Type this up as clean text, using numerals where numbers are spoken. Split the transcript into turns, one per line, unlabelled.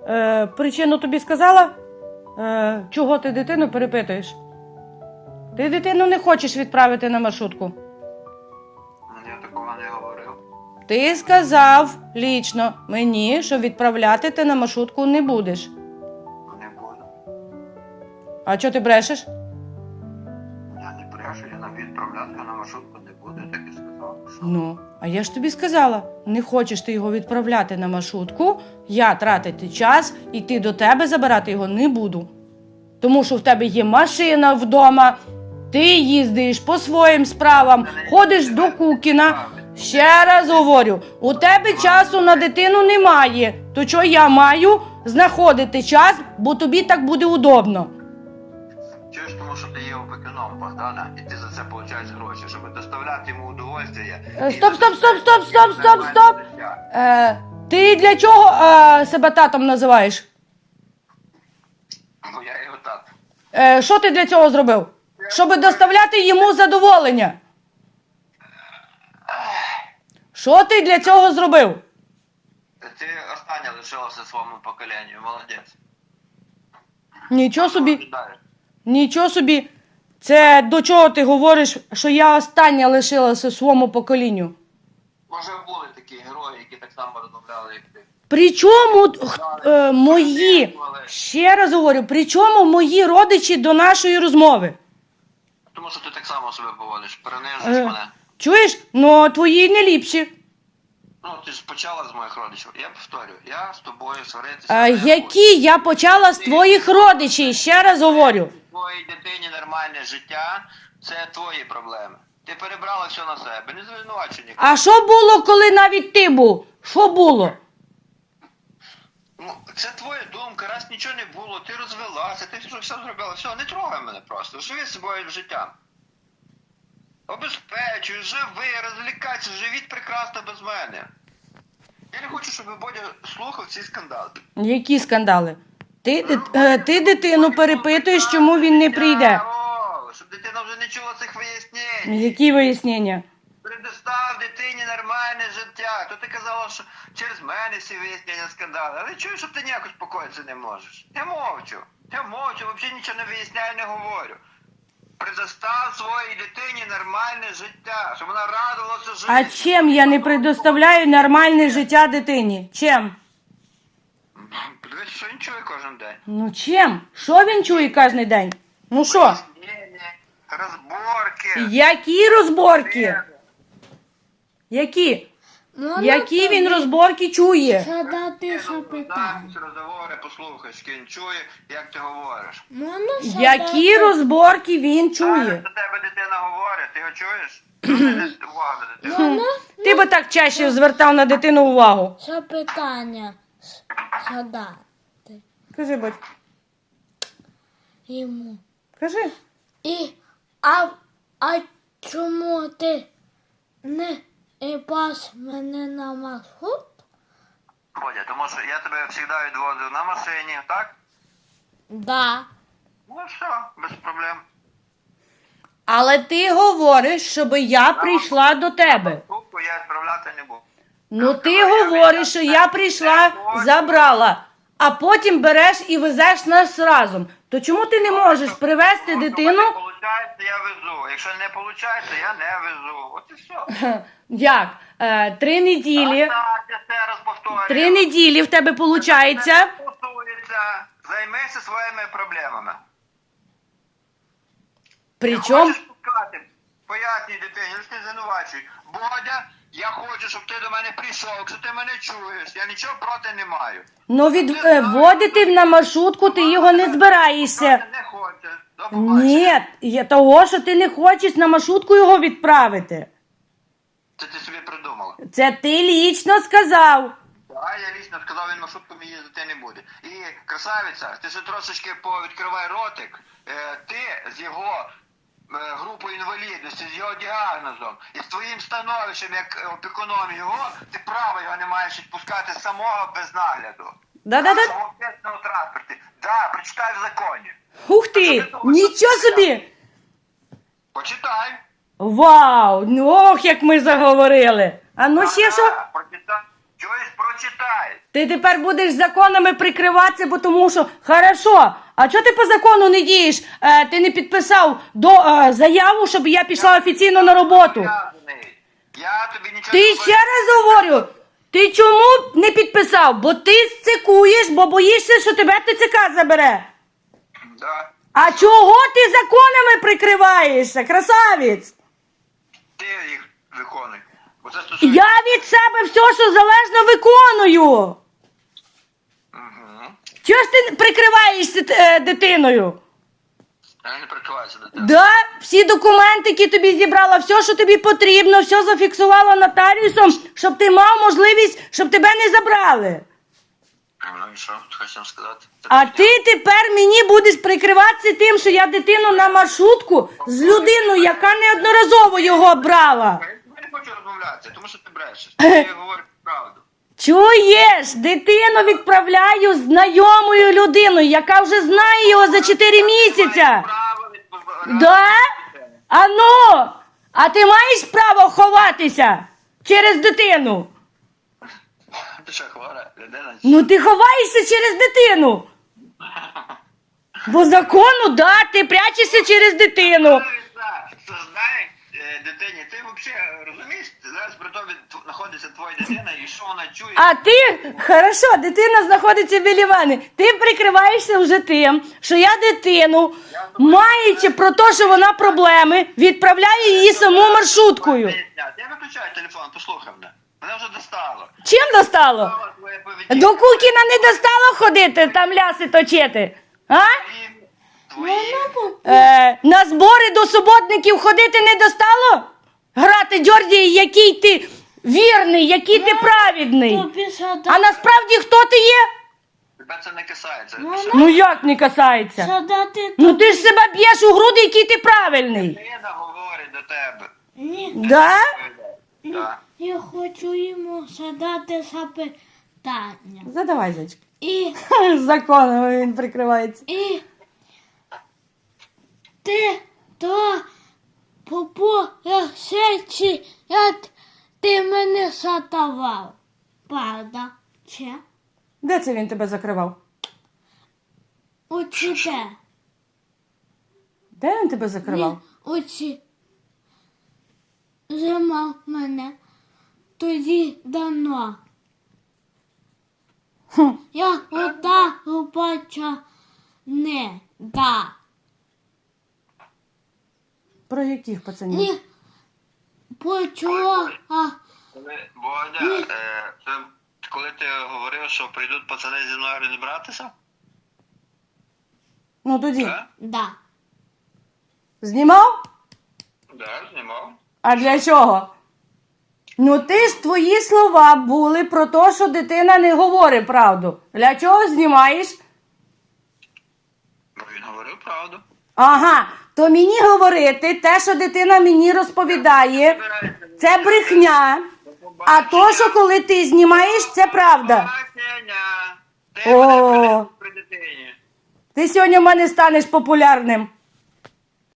причину тобі сказала? Чого ти дитину перепитуєш? Ти дитину не хочеш відправити на маршрутку?
Я такого не говорив.
Ти сказав лічно мені, що відправляти ти на маршрутку не будеш.
Не буду.
А чого ти брешеш?
Я не брешу, я на відправляти на маршрутку не буду, я так і сказав.
Ну, а я ж тобі сказала, не хочеш ти його відправляти на маршрутку, я тратити час, іти до тебе забирати його не буду. Тому що в тебе є машина вдома, ти їздиш по своїм справам, ходиш до Кукіна. Ще раз говорю, у тебе часу на дитину немає, то чого я маю знаходити час, бо тобі так буде удобно.
Чуєш, тому що ти є опікуном Богдана, і ти за це получаєш гроші, щоб доставляти йому удовольствие.
Стоп. Ти для чого себе татом називаєш?
Бо я його тат.
Що ти для цього зробив? Щоб доставляти йому задоволення. Що ти для цього зробив?
Ти останнє лишилося своєму поколенню, молодець.
Нічого собі. Нічого собі. Це до чого ти говориш, що я остання лишилася своєму поколінню?
Може були такі герої, які так само розмовляли, як ти.
При чому мої, ще раз говорю, при чому мої родичі до нашої розмови?
Тому що ти так само себе поводиш, перенижуєш мене.
Чуєш? Ну, твої не ліпші.
Ну, ти ж почала з моїх родичів. Я повторю, я з тобою сваритися.
Які я почала з твоїх родичів, ще раз говорю.
Твоїй дитині нормальне життя, це твої проблеми. Ти перебрала все на себе, не звинувачуй нікого.
А що було, коли навіть ти був? Що було?
Ну, це твоя думка, раз нічого не було, ти розвелася, ти все зробила, все, не трогай мене просто, живи з собою життям. Обезпечуй, живи, розвлікайся, живіть прекрасно без мене. Я не хочу, щоб Бодя слухав ці скандали.
Які скандали? Ти дитину перепитуєш, чому він не прийде.
О, щоб дитина вже не чула цих вияснень.
Які вияснення?
Предостав дитині нормальне життя. То ти казала, що через мене всі вияснення скандали. Але чуєш, що ти ніяк успокоїтися не можеш. Я мовчу, взагалі нічого не виясняю, не говорю. Предостав своїй дитині нормальне життя, щоб вона радувалася життю.
А чим я не предоставляю нормальне життя дитині? Чим?
Подивись, що він чує кожен день.
Ну чим? Що він чує кожен день? Ну що?
Розборки.
Які розборки? Які? Які він розборки чує?
Задати запитання.
Розговори, послухай, що він чує, як ти говориш.
Можна
Які розборки він
Чує.
чує?
До тебе дитина говорить, ти його чуєш? Увага до дитини.
Ти би так чаще звертав на дитину увагу.
запитання задати
Кажи, батько.
йому.
Кажи.
А чому ти не пас мене на маршрут?
Бодя, тому що я тебе завжди відвозив на машині, так?
Да.
Ну все, без проблем.
Але ти говориш, щоб я прийшла до тебе.
Трубку я відправляти не буду.
Ну ти говориш, що я прийшла, забрала, а потім береш і везеш нас разом. То чому ти не можеш привезти дитину?
Якщо виходить, я везу. Якщо не виходить, я не везу. От і все.
Як? 3 неділі.
Так, я ще раз повторюю.
3 неділі в тебе виходить.
Стосується. Займися своїми проблемами.
Причому?
Хочеш пускати? Пояснюй дитині, лише не звинувачуй. Бодя, я хочу, щоб ти до мене прийшов, якщо ти мене чуєш. Я нічого проти не маю.
Ну відводити на маршрутку ти його не збираєшся.
Не хочеш. До побачення.
Ні, я того, що ти не хочеш на маршрутку його відправити.
Це ти собі придумала.
Це ти лічно сказав.
А я лично сказав, він маршрутками їздити не буде. І, красавиця, ти ще трошечки повідкривай ротик. Ти з його групою інвалідності, з його діагнозом і з твоїм становищем, як опікуном його, ти право його не маєш відпускати самого без нагляду.
Да-да-да.
В общественному транспорті. Да, прочитай в законі.
Ух ти! Нічого собі!
Почитай.
Вау! Ну ох, як ми заговорили! А ну ще що?
Прочитай. Чогось прочитай. почитай.
Ти тепер будеш законами прикриватися, бо тому що хорошо. А чого ти по закону не дієш? Ти не підписав заяву, щоб я пішла офіційно на роботу.
Я тобі нічого
Ти ще раз говорю. Ти чому не підписав? Бо ти сцикуєш, бо боїшся, що тебе ТЦК забере.
Да.
А чого ти законами прикриваєшся, красавець?
Ти їх виконуй. Бо це стосується...
Я від себе все, що залежно, виконую.
Угу.
Чого ж ти прикриваєшся дитиною?
Я не прикриваюся до тебе.
Да, всі документи, які тобі зібрала, все, що тобі потрібно, все зафіксувала нотаріусом, щоб ти мав можливість, щоб тебе не забрали.
Ну і що? Хочеш сказати?
А ти тепер мені будеш прикриватися тим, що я дитину на маршрутку з людиною, яка неодноразово його брала.
Я не хочу розмовляти, тому що ти брешеш. Ти говориш правду.
Чуєш, дитину відправляю з знайомою людиною, яка вже знає його за 4 місяця.
Право від...
Да? А ну, а ти маєш право ховатися через дитину?
Ти що, хвора людина?
Ну ти ховаєшся через дитину. Бо закону, да, ти прячешся через дитину.
Знаєш, дитині, ти взагалі розумієш, зараз при тобі знаходиться твоя дитина і що вона чує?
А ти, хорошо, дитина знаходиться біля мене. Ти прикриваєшся вже тим, що я дитину, маючи про те, що вона проблеми, відправляю її саму маршруткою.
Я виключаю телефон, послухай мене. Мене вже достало.
Чим достало?
Твоя поведінка.
До Кукіна не достало ходити, там ляси точити? А?
Твої...
На збори до суботників ходити не достало? Грати Джордії, який ти вірний, який ти праведний.
Тобі садати.
А насправді хто ти є?
Тебе це не касається.
Ну як не касається?
Садати
Ну ти ж себе б'єш у груди, який ти правильний.
Дитина говорить до тебе.
Ні,
Да?
Так.
я хочу йому задати запитання.
Задавай, зайчик.
І
Законом він прикривається.
ти то попоросечі, як ти мене сатував. Правда? Чи?
Де це він тебе закривав?
Оці де?
Де він тебе закривав?
Оці. Зима мене. Тоді давно.
Хм.
Я ота робоча не да.
Про яких пацанів?
Ні. Почула.
Бодя, це коли ти говорив, що прийдуть пацани зі мною розібратися?
Ну тоді.
Так?
Да.
Знімав?
Так, знімав.
А для чого? Ну ти ж твої слова були про те, що дитина не говорить правду. Для чого знімаєш?
Бо він говорив правду.
Ага, то мені говорити те, що дитина мені розповідає, це брехня. А то, що коли ти знімаєш, це правда.
Бачення! Ти
О.
мене при дитині.
Ти сьогодні в мене станеш популярним.